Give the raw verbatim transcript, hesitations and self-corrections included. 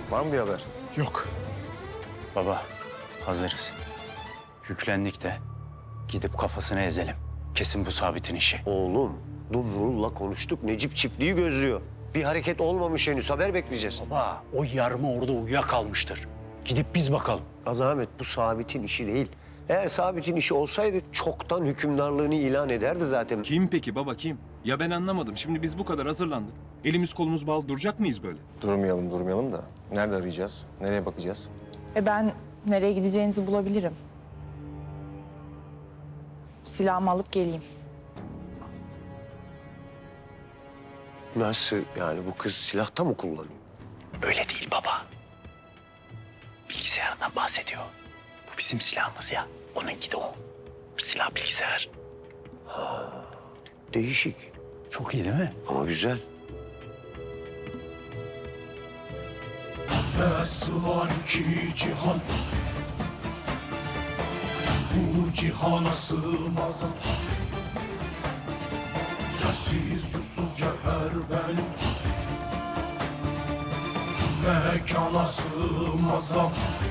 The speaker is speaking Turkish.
Var mı bir haber? Yok. Baba, hazırız. Yüklendik de gidip kafasını ezelim. Kesin bu Sabit'in işi. Oğlum, Dumrul'la konuştuk. Necip çiftliği gözlüyor. Bir hareket olmamış henüz. Haber bekleyeceğiz. Baba, o yarma orada uyuyakalmıştır. Gidip biz bakalım. Azamet, bu Sabit'in işi değil. Eğer Sabit'in işi olsaydı çoktan hükümdarlığını ilan ederdi zaten. Kim peki baba kim? Ya ben anlamadım. Şimdi biz bu kadar hazırlandık. Elimiz kolumuz bağlı duracak mıyız böyle? Durmayalım durmayalım da. Nerede arayacağız? Nereye bakacağız? E ben nereye gideceğinizi bulabilirim. Silahımı alıp geleyim. Nasıl yani, bu kız silahta mı kullanıyor? Öyle değil baba. Bilgisayarından bahsediyor. Bu bizim silahımız ya. Onunki de o. Silah bilgisayar. Değişik Çok iyi değil mi? ama güzel. Nasıl var ki cihan, bu cihana sığmaz. Yersiz yursuz cevher benim, mekana sığmaz.